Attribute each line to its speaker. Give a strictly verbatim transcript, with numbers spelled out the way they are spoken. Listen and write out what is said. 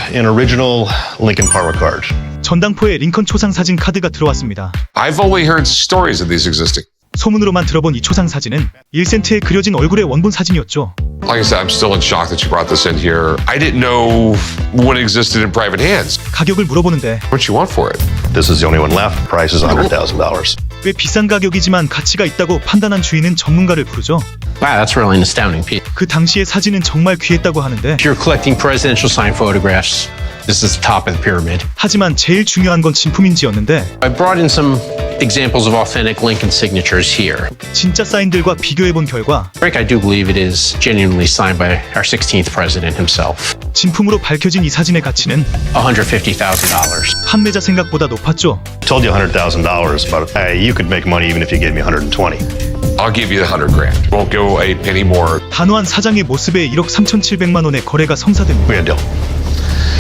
Speaker 1: an original Lincoln Parma card.
Speaker 2: 전당포에 링컨 초상 사진 카드가 들어왔습니다.
Speaker 3: I've only heard stories of these existing.
Speaker 2: 소문으로만 들어본 이 초상 사진은 일 센트에 그려진 얼굴의 원본 사진이었죠.
Speaker 3: Like I said, I'm still in shock that you brought this in here. I didn't know when it existed in private hands.
Speaker 2: 가격을 물어보는데
Speaker 3: What you want for it?
Speaker 1: This is the only one left. Price is one hundred thousand dollars.
Speaker 2: 꽤 비싼 가격이지만 가치가 있다고 판단한 주인은 전문가를 부르죠.
Speaker 4: Wow, that's really an astounding piece.
Speaker 2: 그 당시의 사진은 정말 귀했다고 하는데
Speaker 4: If you're collecting presidential signed photographs, this is the top of the pyramid.
Speaker 2: 하지만 제일 중요한 건 진품인지였는데
Speaker 4: I brought in some examples of authentic Lincoln signatures here.
Speaker 2: 진짜 사인들과 비교해본 결과
Speaker 4: Frank, I do believe it is genuinely signed by our sixteenth president himself.
Speaker 2: 진품으로 밝혀진 이 사진의 가치는
Speaker 4: one hundred fifty thousand dollars.
Speaker 2: 판매자 생각보다 높았죠.
Speaker 1: Told you one hundred thousand dollars, but hey, you could make money even if you gave me one hundred twenty.
Speaker 3: I'll give you the hundred grand. Won't go a penny more.
Speaker 2: 단호한 사장의 모습에 일억 삼천칠백만 원의 거래가 성사됩니다.
Speaker 1: We had a deal.